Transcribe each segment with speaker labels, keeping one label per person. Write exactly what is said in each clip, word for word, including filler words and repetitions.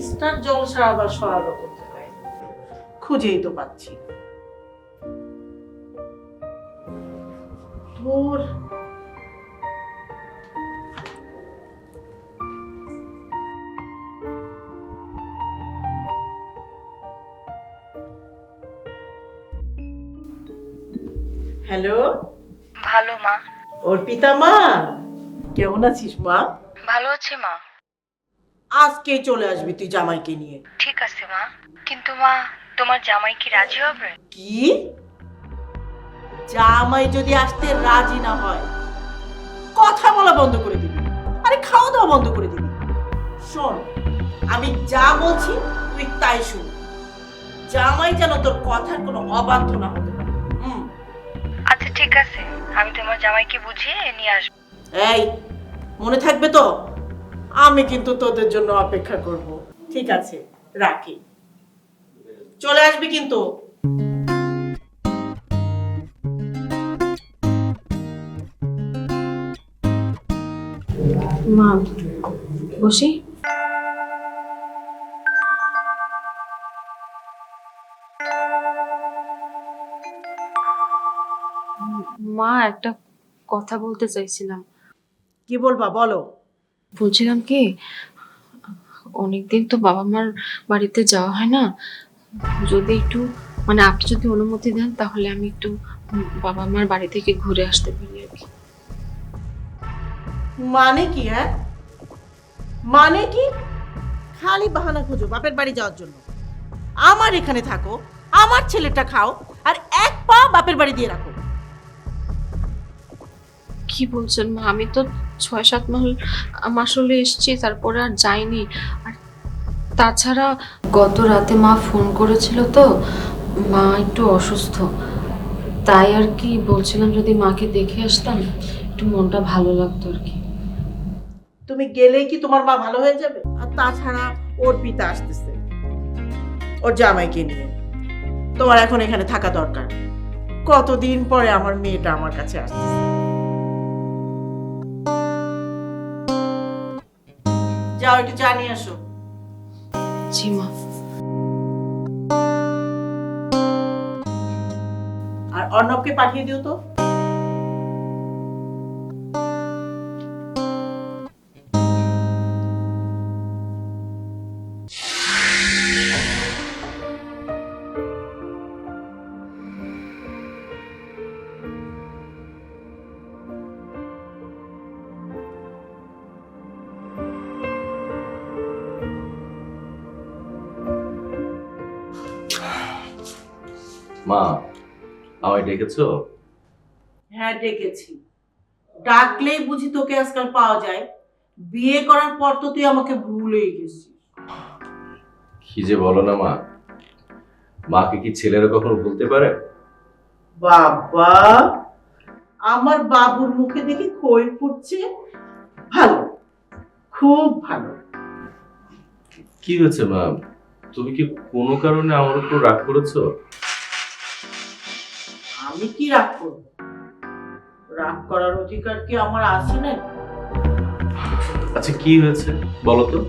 Speaker 1: Mister জলসা আবার সহায়তা করতে পারে, খুঁজেই তো পাচ্ছি না। তোর হ্যালো,
Speaker 2: ভালো মা।
Speaker 1: অর্পিতা মা, কেমন আছিস মা?
Speaker 2: ভালো আছি মা।
Speaker 1: আজকেই চলে আসবি তুই জামাইকে নিয়ে।
Speaker 2: ঠিক আছে মা, কিন্তু মা তোমার জামাই কি রাজি হবে?
Speaker 1: কি? জামাই যদি আসতে রাজি না হয়, কথা বলা বন্ধ করে দিবি, আরে খাওয়া দাওয়া বন্ধ করে দিবি। শোন, আমি যা বলছি তুই তাই শুন। জামাই যেন তোর কথার কোনো অবাধ্য না হতে পারে। হুম।
Speaker 2: আচ্ছা ঠিক আছে, আমি তোমার জামাইকে বুঝিয়ে নিয়ে আসবো।
Speaker 1: এই, মনে থাকবে তো, আমি কিন্তু তোদের জন্য অপেক্ষা করব। ঠিক আছে, রাখি। চলে আসবি কিন্তু।
Speaker 3: মা, বসি। মা, একটা কথা বলতে চাইছিলাম।
Speaker 1: কি বলবা বলো।
Speaker 3: বলছিলাম কি, অনেকদিন তো বাবা মার বাড়িতে যাওয়া হয় না, যদি একটু মানে আপনি যদি অনুমতি দেন তাহলে আমি একটু বাবা মার বাড়ি থেকে ঘুরে আসতে পারি আর কি।
Speaker 1: মানে কি? হ্যাঁ, মানে কি? খালি বাহানা খুঁজো বাপের বাড়ি যাওয়ার জন্য। আমার এখানে থাকো, আমার ছেলেটা খাও, আর এক পা বাপের বাড়ি দিয়ে রাখো।
Speaker 3: কি বলছেন মা? আমি তো ছয় সাত মাস মাস হলে এসেছি, তারপরে আর যাইনি। আর তাছাড়া গত রাতে মা ফোন করেছিল, তো মা একটু অসুস্থ, তাই আর কি বলছিলাম যদি মাকে দেখে আসতাম একটু মনটা ভালো লাগতো আর কি।
Speaker 1: তুমি গেলেই কি তোমার মা ভালো হয়ে যাবে? আর তাছাড়া ওর পিতা আসতেছে ওর জামাইকে নিয়ে, তোমার এখন এখানে থাকা দরকার। কতদিন পরে আমার মেয়েটা আমার কাছে আসতেছে। যাও একটু চা নিয়ে আসো।
Speaker 3: জি মা।
Speaker 1: আর অর্ণবকে পাঠিয়ে দিও তো।
Speaker 4: মা, আমায় ডেকেছো?
Speaker 1: হ্যাঁ ডেকেছি। ডাকলেই বুঝি তোকে আজকাল পাওয়া যায়? বিয়ে করার পর তো তুই আমাকে ভুলেই গেছিস।
Speaker 4: কি যে বলো না মা, মাকে কি ছেলেরা কখনো ভুলতে পারে?
Speaker 1: বাবা, আমার বাবুর মুখে দেখি খই ফুটছে। ভালো, খুব ভালো।
Speaker 4: কি হয়েছে মা, তুমি কি কোনো কারণে আমার উপর রাগ করেছো?
Speaker 1: আমি কি রাগ করব? রাগ করার অধিকার কি আমার আছে না?
Speaker 4: আচ্ছা কি হয়েছে বলো তো।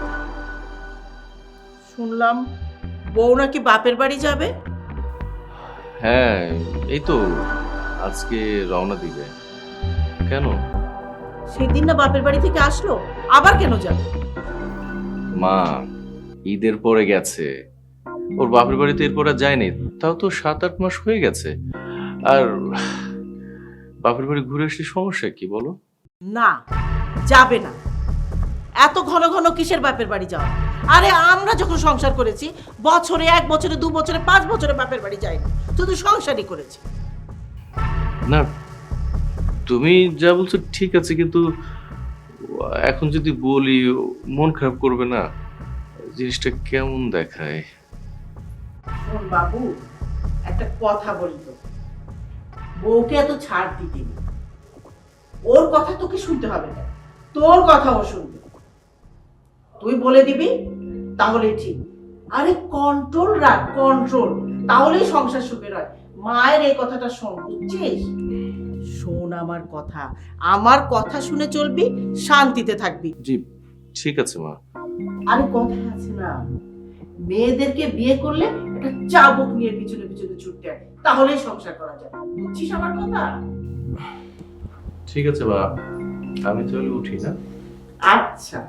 Speaker 1: শুনলাম বউ নাকি বাপের বাড়ি যাবে।
Speaker 4: হ্যাঁ, এই তো আজকে রওনা দিবে। কেন?
Speaker 1: সেদিন না বাপের বাড়ি থেকে আসলো, আবার কেন যাবে?
Speaker 4: মা, ঈদের পরে গেছে, ওর বাপের বাড়িতে এরপর আর যায়নি। তাও তো সাত আট মাস হয়ে গেছে। আর বাপের বাড়ি ঘুরে আসলে সমস্যা কি বলো?
Speaker 1: না, যাবে না। এত ঘন ঘন কিসের বাপের বাড়ি যাওয়া? আরে আমরা যখন সংসার করেছি, বছরে এক বছরে দু বছরে পাঁচ বছরে বাপের বাড়ি যাইনি, শুধু সংসারই করেছি।
Speaker 4: না, তুমি যা বলছো ঠিক আছে, কিন্তু এখন যদি বলি মন খারাপ করবে না? জিনিসটা কেমন দেখায়।
Speaker 1: শোন বাবু, একটা কথা বলি তো, বউকে এত ছাড় দিতে নেই। ওর কথা তোকে শুনতে হবে না, তোর কথা ও শুনবে। তুই বলে দিবি তাহলেই ঠিক। আরে কন্ট্রোল রাখ, কন্ট্রোল, তাহলেই সংসার সুখের হয়। মায়ের এই কথাটা শোন, বুঝছিস? শোন আমার কথা, আমার কথা শুনে চলবি, শান্তিতে থাকবি।
Speaker 4: জি ঠিক আছে মা,
Speaker 1: আরে কথা আছে না, মেয়েদেরকে বিয়ে করলে একটা চাবুক নিয়ে পিছনে পিছনে ছুটতে হয়, তাহলেই সংসার করা যায়। বুঝছিস আমার কথা?
Speaker 4: ঠিক আছে বা, আমি তাহলে উঠি না?
Speaker 1: আচ্ছা।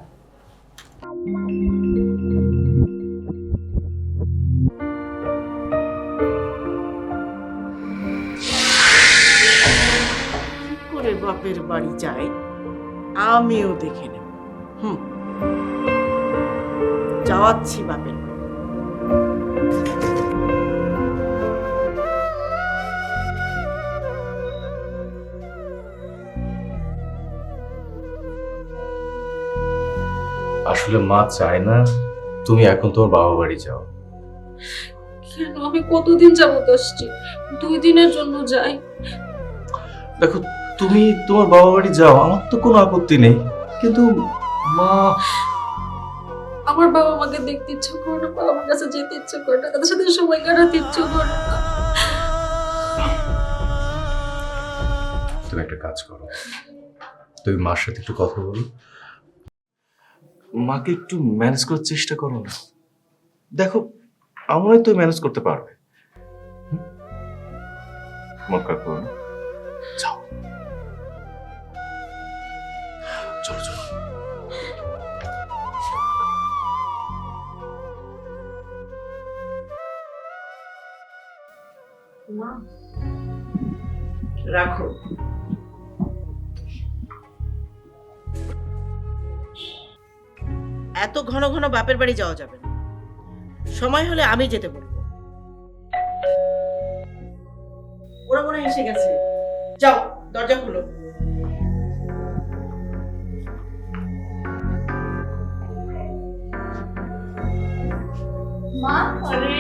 Speaker 1: কি করে বাপের বাড়ি যায় আমিও দেখে নেব। হুম, যাওয়াচ্ছি বাপের বাড়ি।
Speaker 4: আসলে মা চায় না তুমি এখন তোমার বাবা বাড়ি যাও।
Speaker 3: কেন? আমি কতদিন যাবত আসছি, দুই দিনের জন্য যাই।
Speaker 4: দেখো, তুমি তোমার বাবা বাড়ি যাও, আমার তো কোনো আপত্তি নেই, কিন্তু মা,
Speaker 3: আমার বাবা আমাকে দেখতে ইচ্ছে করে না, বাবা আমার কাছে যেতে ইচ্ছে করে না, তাদের সাথে সময় কাটাতে ইচ্ছে করে না।
Speaker 4: তুমি একটা কাজ করো, তুমি মার সাথে একটু কথা বলো, মাকে একটু ম্যানেজ করার চেষ্টা করো না। দেখো, আমার তো ম্যানেজ করতে পারবে। হুম? মন খারাপ করো না, যাও, চলো চলো।
Speaker 3: মা,
Speaker 1: রাখো। এত ঘন ঘন বাপের বাড়ি যাওয়া যাবে না, সময় হলে আমি যেতে বলবো। ওরা মনে হয় এসে গেছে, যাও দরজা খুলো।
Speaker 3: মা,
Speaker 1: আরে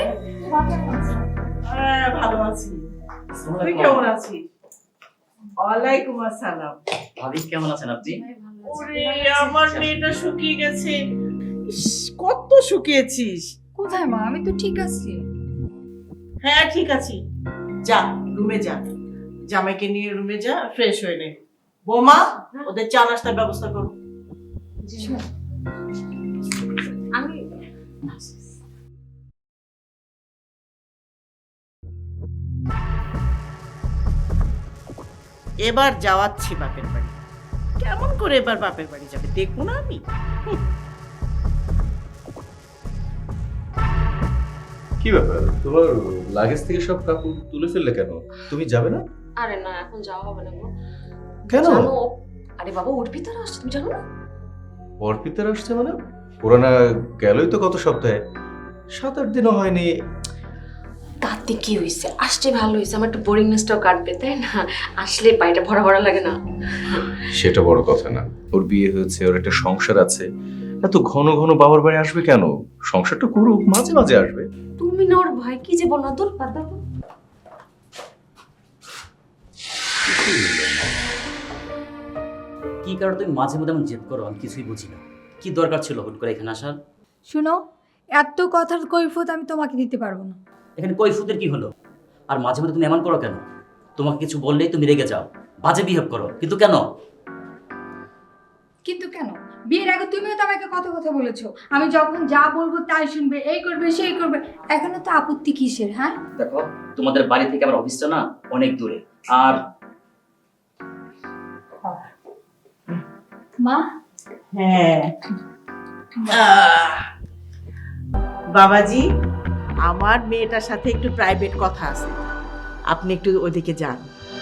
Speaker 1: হ্যাঁ, ভালো আছি। তুই কেমন আছিস? ওয়ালাইকুম আসসালাম।
Speaker 5: ভাবি কেমন আছেন আপনি?
Speaker 1: ওরে আমার মেয়েটা শুকিয়ে গেছে। ইস, কত শুকিয়েছিস।
Speaker 2: কোথায় মা? আমি তো ঠিক আছি।
Speaker 1: হ্যাঁ ঠিক আছি, যা রুমে যা, জামাইকে নিয়ে রুমে যা, ফ্রেশ হয়ে নে। বৌমা, ওদের চা নাস্তার ব্যবস্থা করো।
Speaker 3: আমি
Speaker 1: এবার যাওয়াচ্ছি বাপের বাড়ি। কেমন করে এবার বাপের বাড়ি যাবে দেখবো না আমি? হুঁ।
Speaker 4: কি ব্যাপার, তোমার লাগেজ থেকে সব কাপড় তুলে ফেললে কেন? তুমি যাবে না?
Speaker 3: আরে না, এখন যাওয়া হবে না গো।
Speaker 4: কেন?
Speaker 3: জানো, আরে বাবা ওর ভিতরে আসছে, তুমি জানো না?
Speaker 4: অর্পিতার আসছে মানে? ওরা না গেলই তো গত সপ্তাহে, সাত আট দিনও হয়নি।
Speaker 3: তাতে কি হয়েছে, আসছে ভালো হয়েছে, আমার একটু বোরিংনেসটাও কাটবে, তাই না? আসলে পাইটা ভরা ভরা লাগে না?
Speaker 4: সেটা বড় কথা না, ওর বিয়ে হয়েছে, ওর একটা সংসার আছে, এত ঘন ঘন বাবার বাড়ি আসবে কেন? সংসারটা করুক, মাঝে মাঝে আসবে।
Speaker 3: তুমি না ওর ভয় কি যে বল না, তোর বাদ দাও।
Speaker 5: কি কারণে তুমি মাঝে মধ্যে এমন জেদ করো, আমি কিছুই বুঝি না। কি দরকার ছিল হুট করে এখানে আসার?
Speaker 2: শুনো, এত কথার কৈফিয়ত আমি তোমাকে দিতে পারবো না।
Speaker 5: এখানে কৈফুতের কি হলো? আর মাঝে মধ্যে তুমি এমন করো কেন? তোমাকে কিছু বললেই তুমি রেগে যাও, বাজে বিহেভ করো, কিন্তু কেন?
Speaker 2: কিন্তু কেন? বিয়ের আগে তুমিও তো আমাকে কত কথা বলেছো, আমি যখন যা বলবো তাই শুনবে, এই করবে সেই করবে। এখনো তো আপত্তি কিসের? হ্যাঁ
Speaker 5: দেখো, তোমাদের বাড়ি থেকে আমার অফিসটা না অনেক দূরে। আর
Speaker 2: মা,
Speaker 1: হ্যাঁ আহ, বাবাজি, আমার মেয়েটার সাথে একটু প্রাইভেট কথা আছে, আপনি একটু ওদিকে যান।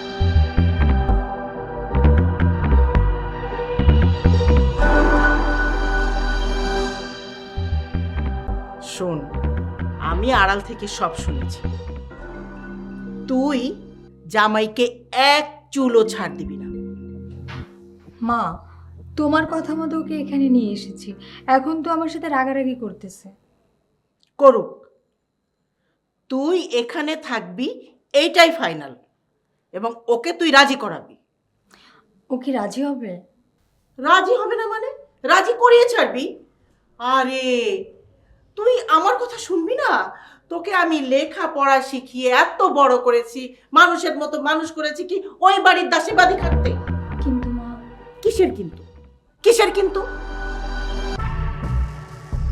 Speaker 1: শোন, আমি আড়াল থেকে সব শুনেছি। তুই জামাইকে এক চুলও ছাড় দিবি না।
Speaker 2: মা তোমার কথা মতো ওকে এখানে নিয়ে এসেছি, এখন তো আমার সাথে রাগারাগি করতেছে।
Speaker 1: করুক, তুই এখানে থাকবি এইটাই ফাইনাল, এবং ওকে তুই রাজি করাবি।
Speaker 2: ও কি রাজি হবে?
Speaker 1: রাজি হবে না মানে? রাজি করিয়ে ছাড়বি। আরে তুই আমার কথা শুনবি না? তোকে আমি লেখা পড়া শিখিয়ে এত বড় করেছি, মানুষের মতো মানুষ করেছি কি ওই বাড়ির দাসী বাদী থাকতে?
Speaker 2: কিন্তু মা,
Speaker 1: কিসের কিন্তু? কিসের কিন্তু?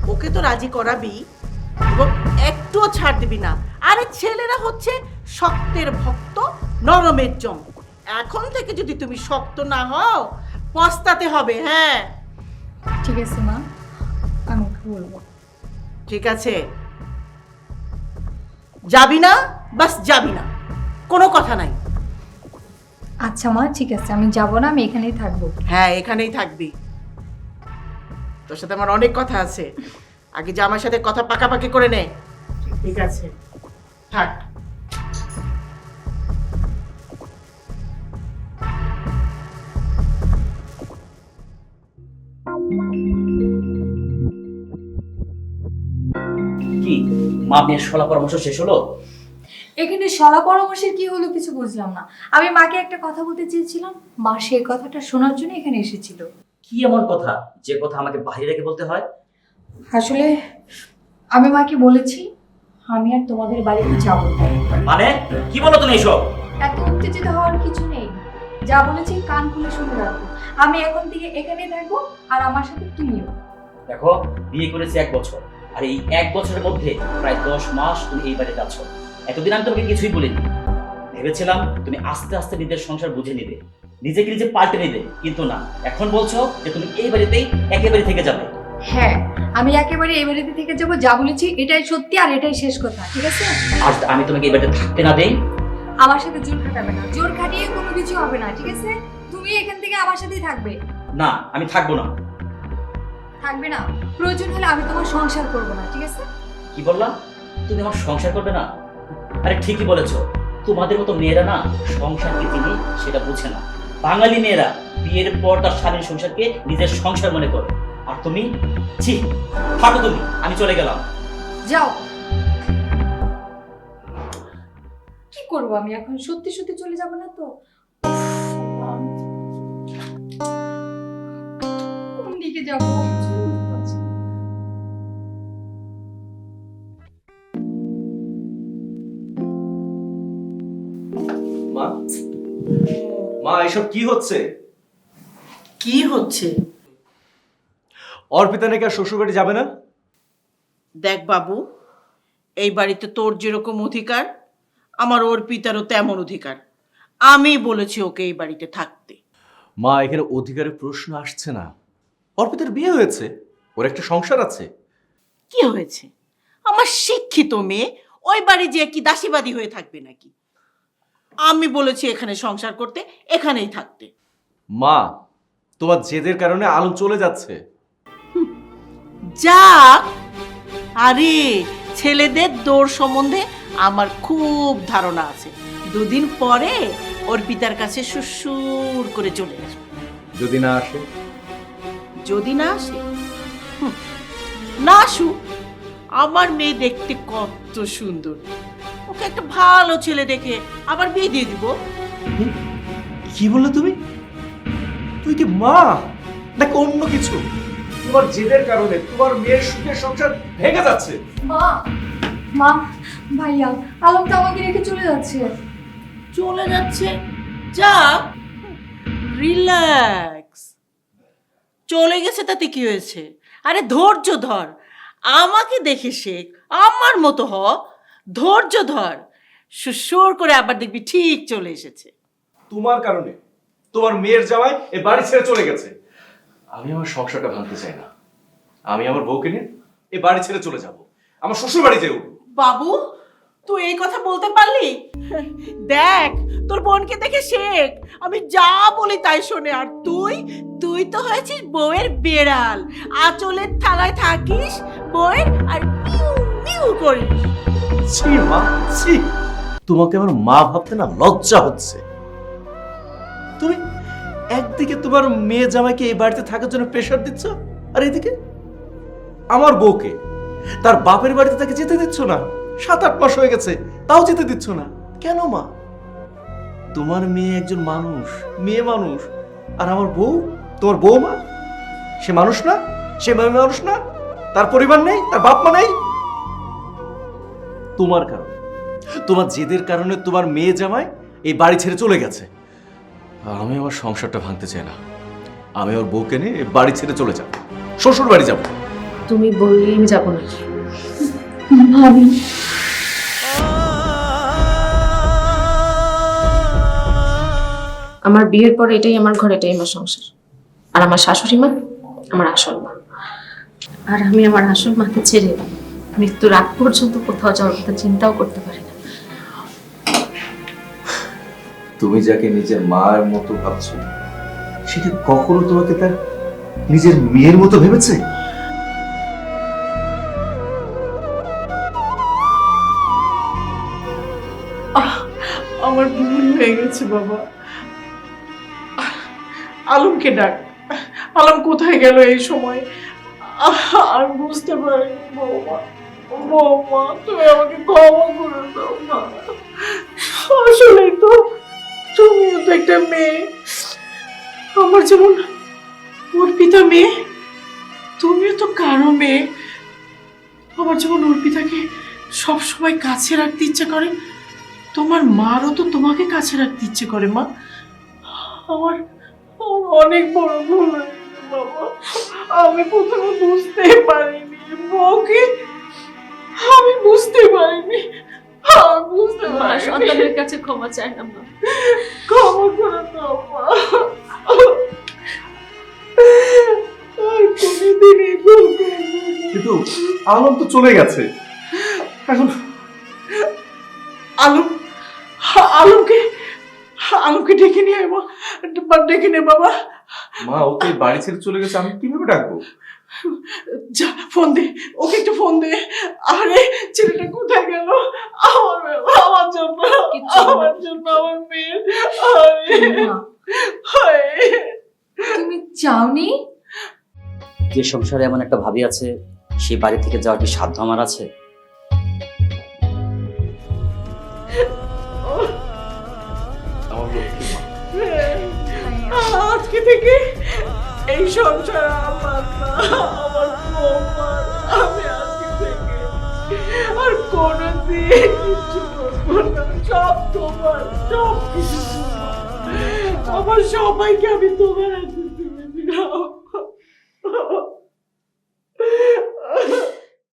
Speaker 1: ওকে তো রাজি করাবি এবং একটুও ছাড় দিবি না। আরে ছেলেরা হচ্ছে শক্তের ভক্ত, নরমের জম। এখন থেকে যদি তুমি শক্ত না হও পস্তাতে হবে। হ্যাঁ
Speaker 2: ঠিক আছে মা, আমি ওকে বলবো।
Speaker 1: ঠিক আছে, যাবি না? বাস যাবি না, কোনো কথা নাই।
Speaker 2: আচ্ছা মা ঠিক আছে, আমি যাব না, আমি এখানেই থাকবো।
Speaker 1: হ্যাঁ এখানেই থাকবি, তোর সাথে আমার অনেক কথা আছে। আগে যে আমার সাথে কথা পাকাপাকি করে নে। ঠিক আছে থাক।
Speaker 5: কি মা মেয়ের সলা পরামর্শ শেষ হলো?
Speaker 2: এখানে সলা পরামর্শের কি হলো কিছু বুঝলাম না। আমি মাকে একটা কথা বলতে চেয়েছিলাম, মা সেই কথাটা শোনার জন্য এখানে এসেছিল।
Speaker 5: কি এমন কথা যে কথা আমাকে বাইরে রেখে বলতে হয়?
Speaker 2: আসলে আমি মাকে বলেছি আমি আর তোমাদের বাড়িতে যাব না।
Speaker 5: মানে কি বলো তুমি এসব?
Speaker 2: এত উত্তেজিত হওয়ার কিছু নেই, যা বলেছি কান খুলে শুনে রাখো। আমি এখন থেকে এখানেই থাকবো আর আমার সাথে তুমিও।
Speaker 5: দেখো, বিয়ে করেছি এক বছর, আর এই এক বছরের মধ্যে প্রায় দশ মাস তুমি এই বাড়িতে আছো। এতদিন আমি তোমাকে কিছুই বলিনি। ভেবেছিলাম তুমি আস্তে আস্তে নিজের সংসার বুঝে নিবে, নিজেকে নিজে পাল্টে নিবে, কিন্তু না, এখন বলছো যে তুমি এই বাড়িতেই একেবারে থেকে যাবে।
Speaker 2: হ্যাঁ, আমি একেবারে এই বাড়িতে থেকে যাবো। যা বলেছি এটাই সত্যি আর এটাই শেষ কথা, ঠিক আছে?
Speaker 5: আর আমি তোমাকে এই বাড়িতে থাকতে না দেই।
Speaker 2: আমার সাথে জোর খাটাবে না, জোর খাটিয়ে কোনো কিছু হবে না, ঠিক আছে? তুমি এখান থেকে আমার সাথেই থাকবে।
Speaker 5: না, আমি থাকবো না।
Speaker 2: থাকবে না? প্রয়োজন হলে আমি তোমার সংসার করব না, ঠিক আছে?
Speaker 5: কি বললাম? তুমি আমার সংসার করবে না? আরে ঠিকই বলেছো, তোমাদের মতো মেয়েরা না সংসার কি জিনিস সেটা বুঝে না। বাঙালি মেয়েরা বিয়ের পর তার স্বামীর সংসারকে নিজের সংসার মনে করে, আর তুমি ছি। থাকো তুমি, আমি চলে গেলাম।
Speaker 2: যাও। কি করব আমি এখন? সত্যি সত্যি চলে যাব না তো? কোন দিকে যাবো?
Speaker 4: মা, মা এসব কি হচ্ছে?
Speaker 1: কি হচ্ছে?
Speaker 4: অর্পিতা নাকি আর শ্বশুর বাড়ি যাবে না?
Speaker 1: দেখ বাবু, এই বাড়িতে তোর যেরকম অধিকার আমার অর্পিতারও তেমন অধিকার। আমি বলেছি ওকে এই বাড়িতে থাকতে।
Speaker 4: মা, এখানে অধিকারের প্রশ্ন আসছে না। অর্পিতার বিয়ে হয়েছে, ওর একটা সংসার আছে।
Speaker 1: কি হয়েছে? আমার শিক্ষিত মেয়ে ওই বাড়ি যে কি দাসীবাদী হয়ে থাকবে নাকি? আমি বলেছি এখানে সংসার করতে, এখানেই থাকতে।
Speaker 4: মা, তোমার জেদের কারণে আলো চলে যাচ্ছে।
Speaker 1: যাক, আরে ছেলেদের দৌড় সম্বন্ধে আমার খুব ধারণা আছে। দুদিন পরে অর্পিতার কাছে সুসুর করে চলে আসবে।
Speaker 4: যদি না আসে?
Speaker 1: যদি না আসে, হুম, না আসুক। আমার মেয়ে দেখতে কত সুন্দর, ওকে একটা ভালো ছেলে দেখে আবার বিয়ে দিয়ে দিব।
Speaker 4: কি বললে তুমি? তুই কি মা নাকি অন্য কিছু? তোমার জেদের কারণে তোমার মেয়ের সুখের সংসার ভেঙে যাচ্ছে।
Speaker 2: মা, মা, ভাইয়া আলম তো আমাকে রেখে চলে যাচ্ছে।
Speaker 1: চলে যাচ্ছে? যাক, রিল্যাক্স। চলে গেছে তাতে কি হয়েছে? আরে ধৈর্য ধর, আমাকে দেখে শেখ, আমার মতো হ। ধৈর্য ধর, সুসুর করে আবার দেখবি ঠিক চলে এসেছে।
Speaker 4: তোমার কারণে তোমার মেয়ের জামাই এই বাড়ি ছেড়ে চলে গেছে। আমি আমার সংসারটা ভাঙতে চাই না। আমি আমার বউকে নিয়ে এই বাড়ি ছেড়ে চলে যাব, আমার শ্বশুর বাড়ি যেও।
Speaker 1: বাবু, তুই এই কথা বলতে পারলি? দেখ, তোর বোনকে দেখে শেখ, আমি যা বলি তাই শোনে। আর তুই তুই তো হয়েছিস বউয়ের বেড়াল, আঁচলের থালায় থাকিস বউয়ের আর মিউ মিউ করিস।
Speaker 4: ছি মা, ছি। তোমাকে আমার মা ভাবতে না লজ্জা হচ্ছে। তুমি একদিকে তোমার মেয়ে জামাইকে এই বাড়িতে থাকার জন্য প্রেশার দিচ্ছ, আর এদিকে আমার বউকে তার বাপের বাড়িতে তাকে যেতে দিচ্ছ না। সাত আট মাস হয়ে গেছে, তাও যেতে দিচ্ছ না কেন মা? তোমার মেয়ে একজন মানুষ, মেয়ে মানুষ, আর আমার বউ, তোমার বউমা, সে মানুষ না? সে মেয়ে মানুষ না? তার পরিবার নেই, তার বাপ মা নেই? তোমার কারণে, তোমার জেদের কারণে তোমার মেয়ে জামাই এই বাড়ি ছেড়ে চলে গেছে। আমি আমার সংসারটা ভাঙতে চাই না। আমি ওর বউকে নিয়ে এই বাড়ি ছেড়ে চলে যাব, শ্বশুর বাড়ি যাব।
Speaker 3: তুমি বললেই আমি যাবো না।
Speaker 2: ভাবি
Speaker 3: আমার বিয়ের পরে এটাই আমার ঘর, এটাই আমার সংসার। আর আমার শাশুড়ি মা আমার আসল মা। আর আমি আমার আসল মাকে ছেড়ে মৃত্যুর আগ পর্যন্ত কোথাও যাওয়ার কথা চিন্তাও করতে পারি না।
Speaker 6: তুমি যাকে নিজের মায়ের মতো ভাবছো, সেটা কখনো তোমাকে তার নিজের মেয়ের মতো ভেবেছে?
Speaker 1: আহ, আমার ভুল হয়ে গেছে বাবা। আলমকে ডাক। আলম কোথায় গেল এই সময়? আহ, আর বুঝতে পারিনি বৌমা। বৌমা, তুমি আমাকে ক্ষমা করে দাও না। আসলে তো তুমিও তো একটা মেয়ে, আমার যেমন অর্পিতা মেয়ে, তুমিও তো কারো মেয়ে। আমার যেমন অর্পিতাকে সবসময় কাছে রাখতে ইচ্ছে করে, তোমার মারও তো তোমাকে কাছে রাখতে ইচ্ছে করে মা। আমার আমার অনেক বড় ভুল হয়ে গেছে বাবা। আমি প্রথমে বুঝতে পারিনি বউকে, আমি বুঝতে পারিনি, আমি বুঝতে
Speaker 3: মা
Speaker 1: পারিনি।
Speaker 3: সন্তানের কাছে ক্ষমা চায় না মা।
Speaker 1: ক্ষমা করে দাও মা। আর কোনোদিন এই ভুল করবো না।
Speaker 6: কিন্তু আলম তো চলে গেছে, এখন
Speaker 1: আলম, আলমকে আলমকে ডেকে নিয়ে আয় মা, ডেকে নে বাবা।
Speaker 6: মা ওকে বাড়ি ছেড়ে চলে গেছে, আমি কিভাবে ডাকবো?
Speaker 1: যা ফোন দে, ওকে একটা ফোন দে। আরে ছেলেটা কোথায় গেল? আমার আমার জন্য,
Speaker 3: কিচ্ছু হবে না।
Speaker 1: আমার জন্য, আমার মেয়ে। আরে
Speaker 2: মা,
Speaker 1: হায়।
Speaker 2: তুমি চাওনি?
Speaker 5: যে সংসারে এমন একটা ভাবি আছে, সেই বাড়ি থেকে যাওয়ার কি সাধ্য আমার আছে?
Speaker 6: আমার লক্ষ্মী মা।
Speaker 1: আজকে থেকে এই সংসার আমার না, আমার বৌমার। আমি আজকে থেকে আর কোনোদিন কিছু করবো না, সব তোমার, সব কিছু তোমার। আমার সবাইকে আমি তোমার হাতে